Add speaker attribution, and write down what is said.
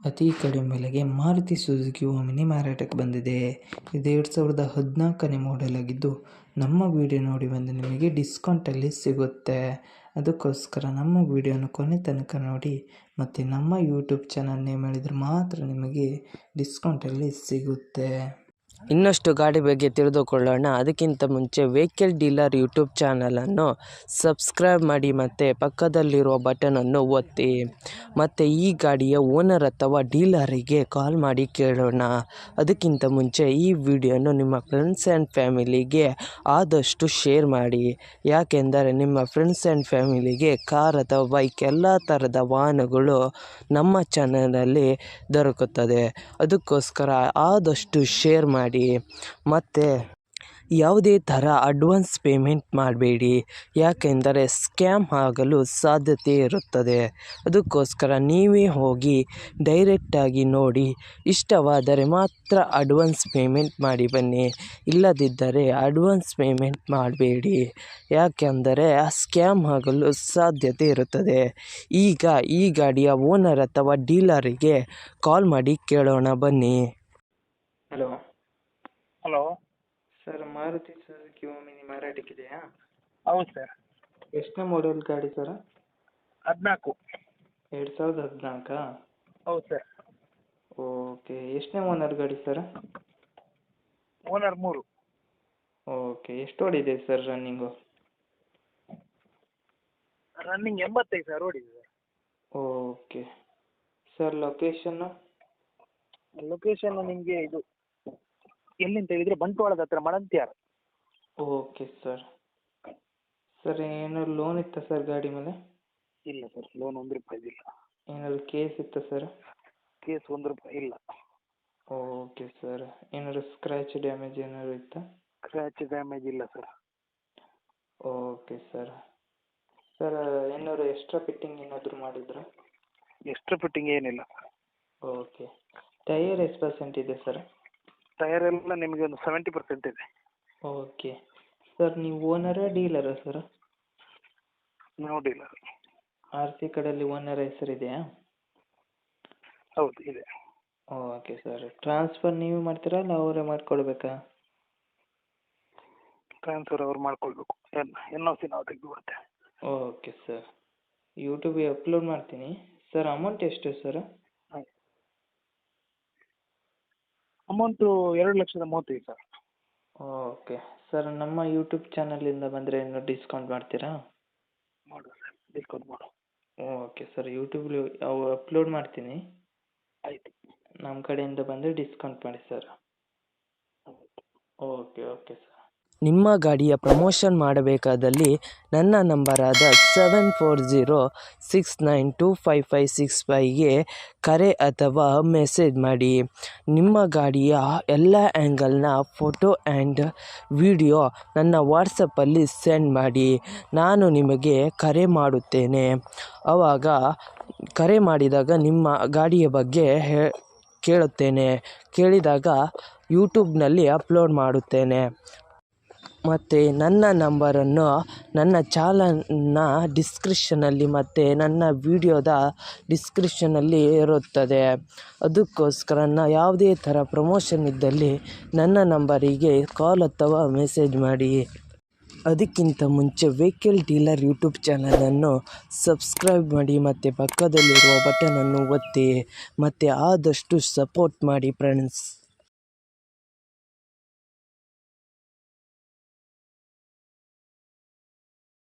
Speaker 1: ಅತಿ ಕಡಿಮೆ ಬೆಲೆಗೆ ಮಾರುತಿ ಸುಜುಕಿ ಓಮಿನಿ ಮಾರಾಟಕ್ಕೆ ಬಂದಿದೆ. ಇದು 2014ನೇ ಮಾಡೆಲ್ ಆಗಿದ್ದು, ನಮ್ಮ ವಿಡಿಯೋ ನೋಡಿ ಬಂದು ನಿಮಗೆ ಡಿಸ್ಕೌಂಟಲ್ಲಿ ಸಿಗುತ್ತೆ. ಅದಕ್ಕೋಸ್ಕರ ನಮ್ಮ ವಿಡಿಯೋನ ಕೊನೆ ತನಕ ನೋಡಿ ಮತ್ತು ನಮ್ಮ ಯೂಟ್ಯೂಬ್ ಚಾನಲ್ ನೇಮ್ ಹೇಳಿದರೆ ಮಾತ್ರ ನಿಮಗೆ ಡಿಸ್ಕೌಂಟಲ್ಲಿ ಸಿಗುತ್ತೆ.
Speaker 2: ಇನ್ನಷ್ಟು ಗಾಡಿ ಬಗ್ಗೆ ತಿಳಿದುಕೊಳ್ಳೋಣ. ಅದಕ್ಕಿಂತ ಮುಂಚೆ ವೆಹಿಕಲ್ ಡೀಲರ್ ಯೂಟ್ಯೂಬ್ ಚಾನಲನ್ನು ಸಬ್ಸ್ಕ್ರೈಬ್ ಮಾಡಿ ಮತ್ತು ಪಕ್ಕದಲ್ಲಿರುವ ಬಟನನ್ನು ಒತ್ತಿ. ಮತ್ತು ಈ ಗಾಡಿಯ ಓನರ್ ಅಥವಾ ಡೀಲರಿಗೆ ಕಾಲ್ ಮಾಡಿ ಕೇಳೋಣ. ಅದಕ್ಕಿಂತ ಮುಂಚೆ ಈ ವಿಡಿಯೋನು ನಿಮ್ಮ ಫ್ರೆಂಡ್ಸ್ ಆ್ಯಂಡ್ ಫ್ಯಾಮಿಲಿಗೆ ಆದಷ್ಟು ಶೇರ್ ಮಾಡಿ. ಯಾಕೆಂದರೆ ನಿಮ್ಮ ಫ್ರೆಂಡ್ಸ್ ಆ್ಯಂಡ್ ಫ್ಯಾಮಿಲಿಗೆ ಕಾರ್ ಅಥವಾ ಬೈಕ್ ಎಲ್ಲ ಥರದ ವಾಹನಗಳು ನಮ್ಮ ಚಾನಲಲ್ಲಿ ದೊರಕುತ್ತದೆ. ಅದಕ್ಕೋಸ್ಕರ ಆದಷ್ಟು ಶೇರ್ ಮಾಡಿ. ಮತ್ತು ಯಾವುದೇ ಥರ ಅಡ್ವಾನ್ಸ್ ಪೇಮೆಂಟ್ ಮಾಡಬೇಡಿ, ಯಾಕೆಂದರೆ ಸ್ಕ್ಯಾಮ್ ಆಗಲು ಸಾಧ್ಯತೆ ಇರುತ್ತದೆ. ಅದಕ್ಕೋಸ್ಕರ ನೀವೇ ಹೋಗಿ ಡೈರೆಕ್ಟಾಗಿ ನೋಡಿ, ಇಷ್ಟವಾದರೆ ಮಾತ್ರ ಅಡ್ವಾನ್ಸ್ ಪೇಮೆಂಟ್ ಮಾಡಿ ಬನ್ನಿ. ಇಲ್ಲದಿದ್ದರೆ ಅಡ್ವಾನ್ಸ್ ಪೇಮೆಂಟ್ ಮಾಡಬೇಡಿ, ಯಾಕೆಂದರೆ ಸ್ಕ್ಯಾಮ್ ಆಗಲು ಸಾಧ್ಯತೆ ಇರುತ್ತದೆ. ಈಗ ಈ ಗಾಡಿಯ ಓನರ್ ಅಥವಾ ಡೀಲರಿಗೆ ಕಾಲ್ ಮಾಡಿ ಕೇಳೋಣ ಬನ್ನಿ.
Speaker 1: Hello
Speaker 3: hello
Speaker 1: sir, Maruti Suzuki Omni ಮಾರಾಟಕ್ಕಿದೆಯಾ?
Speaker 3: ಹೌದು ಸರ್.
Speaker 1: ಎಷ್ಟನೇ ಮಾಡೆಲ್ ಗಾಡಿ ಸರ್?
Speaker 3: 14.
Speaker 1: 2014?
Speaker 3: ಹೌದು ಸರ್.
Speaker 1: ಓಕೆ. ಎಷ್ಟನೇ ಓನರ್ ಗಾಡಿ ಸರ್?
Speaker 3: ಓನರ್ 3.
Speaker 1: ಓಕೆ. ಎಷ್ಟು ಓಡಿದೆ ಸರ್ ರನ್ನಿಂಗು?
Speaker 3: ರನ್ನಿಂಗ್ 85 ಸರ್ ಓಡಿದೆ sir.
Speaker 1: Okay sir. Location?
Speaker 3: Location ನಿಮಗೆ ಇದು ಎಲ್ಲಿಂತ ಹೇಳಿದರೆ ಬಂಟ್ವಾಳದ ಹತ್ರ ಮಳಂತ್ಯಾರ.
Speaker 1: Okay sir. ಸರ್, ಏನಾದ್ರು ಲೋನ್ ಇತ್ತಾ ಸರ್ ಗಾಡಿ ಮೇಲೆ?
Speaker 3: ಇಲ್ಲ ಸರ್, ಲೋನ್ 1 ರೂಪಾಯಿ ಇಲ್ಲ.
Speaker 1: ಏನಾದ್ರು ಕೇಸ್ ಇತ್ತಾ ಸರ್?
Speaker 3: ಕೇಸ್ 1 ರೂಪಾಯಿ ಇಲ್ಲ.
Speaker 1: Okay sir. ಏನಾದ್ರು ಸ್ಕ್ರ್ಯಾಚ್ ಡ್ಯಾಮೇಜ್ ಏನಾದ್ರು ಇತ್ತಾ?
Speaker 3: ಸ್ಕ್ರ್ಯಾಚ್ ಡ್ಯಾಮೇಜ್ ಇಲ್ಲ ಸರ್.
Speaker 1: Okay sir. ಸರ್, ಏನಾದ್ರು ಎಕ್ಸ್ಟ್ರಾ ಫಿಟ್ಟಿಂಗ್ ಏನಾದರೂ ಮಾಡಿದ್ರಾ?
Speaker 3: ಎಕ್ಸ್ಟ್ರಾ ಫಿಟ್ಟಿಂಗ್ ಏನಿಲ್ಲ.
Speaker 1: ಓಕೆ. ಟೈಯರ್ ಎಷ್ಟು ಪರ್ಸೆಂಟ್ ಇದೆ ಸರ್?
Speaker 3: ಟೈರ್ ಎಲ್ಲ ನಿಮಗೆ ಒಂದು 70% ಇದೆ.
Speaker 1: Okay sir. ನೀವು ಓನರಾ ಡೀಲರಾ ಸರ್?
Speaker 3: ನಾವು ಡೀಲರ್.
Speaker 1: RC ಕಡೆಯಲ್ಲಿ ಓನರ್ ಹೆಸರಿದೆಯಾ?
Speaker 3: ಹೌದು ಇದೆ.
Speaker 1: Okay sir. ಟ್ರಾನ್ಸ್ಫರ್ ನೀವು ಮಾಡ್ತೀರಾ ಅಲ್ಲ ಅವರೇ ಮಾಡಿಕೊಡ್ಬೇಕಾ?
Speaker 3: ಟ್ರಾನ್ಸ್ಫರ್ ಅವ್ರು ಮಾಡ್ಕೊಳ್ಬೇಕು. NOC ನಾವು ತೆಗೆದು ಕೊಡ್ತೇವೆ.
Speaker 1: Okay sir. ಯೂಟ್ಯೂಬಿಗೆ ಅಪ್ಲೋಡ್ ಮಾಡ್ತೀನಿ ಸರ್. ಅಮೌಂಟ್ ಎಷ್ಟು sir?
Speaker 3: Amount 2,35,000 sir.
Speaker 1: Okay sir. ನಮ್ಮ ಯೂಟ್ಯೂಬ್ ಚಾನಲಿಂದ ಬಂದರೆ ಇನ್ನೂ ಡಿಸ್ಕೌಂಟ್ ಮಾಡ್ತೀರಾ?
Speaker 3: ಮಾಡುವ ಸರ್, ಡಿಸ್ಕೌಂಟ್ ಮಾಡುವ.
Speaker 1: Okay sir. ಯೂಟ್ಯೂಬ್ಲಿ ಅಪ್ಲೋಡ್ ಮಾಡ್ತೀನಿ.
Speaker 3: ಆಯಿತು.
Speaker 1: ನಮ್ಮ ಕಡೆಯಿಂದ ಬಂದರೆ ಡಿಸ್ಕೌಂಟ್ ಮಾಡಿ ಸರ್. Okay okay sir.
Speaker 2: ನಿಮ್ಮ ಗಾಡಿಯ ಪ್ರಮೋಷನ್ ಮಾಡಬೇಕಾದಲ್ಲಿ ನನ್ನ ನಂಬರಾದ 7406925565ಗೆ ಕರೆ ಅಥವಾ ಮೆಸೇಜ್ ಮಾಡಿ. ನಿಮ್ಮ ಗಾಡಿಯ ಎಲ್ಲ ಆ್ಯಂಗಲ್ನ ಫೋಟೋ ಆ್ಯಂಡ್ ವಿಡಿಯೋ ನನ್ನ ವಾಟ್ಸಪ್ಪಲ್ಲಿ ಸೆಂಡ್ ಮಾಡಿ. ನಾನು ನಿಮಗೆ ಕರೆ ಮಾಡುತ್ತೇನೆ. ಆವಾಗ ಕರೆ ಮಾಡಿದಾಗ ನಿಮ್ಮ ಗಾಡಿಯ ಬಗ್ಗೆ ಕೇಳುತ್ತೇನೆ. ಕೇಳಿದಾಗ ಯೂಟ್ಯೂಬ್ನಲ್ಲಿ ಅಪ್ಲೋಡ್ ಮಾಡುತ್ತೇನೆ. ಮತ್ತು ನನ್ನ ನಂಬರನ್ನು ನನ್ನ ಚಾನಲ್ನ ಡಿಸ್ಕ್ರಿಪ್ಷನಲ್ಲಿ ಮತ್ತು ನನ್ನ ವಿಡಿಯೋದ ಡಿಸ್ಕ್ರಿಪ್ಷನಲ್ಲಿ ಇರುತ್ತದೆ. ಅದಕ್ಕೋಸ್ಕರ ಯಾವುದೇ ಥರ ಪ್ರಮೋಷನ್ ಇದ್ದಲ್ಲಿ ನನ್ನ ನಂಬರಿಗೆ ಕಾಲ್ ಅಥವಾ ಮೆಸೇಜ್ ಮಾಡಿ. ಅದಕ್ಕಿಂತ ಮುಂಚೆ ವೆಹಿಕಲ್ ಡೀಲರ್ ಯೂಟ್ಯೂಬ್ ಚಾನಲನ್ನು ಸಬ್ಸ್ಕ್ರೈಬ್ ಮಾಡಿ ಮತ್ತು ಪಕ್ಕದಲ್ಲಿರುವ ಬಟನನ್ನು ಒತ್ತಿ ಮತ್ತು ಆದಷ್ಟು ಸಪೋರ್ಟ್ ಮಾಡಿ ಫ್ರೆಂಡ್ಸ್.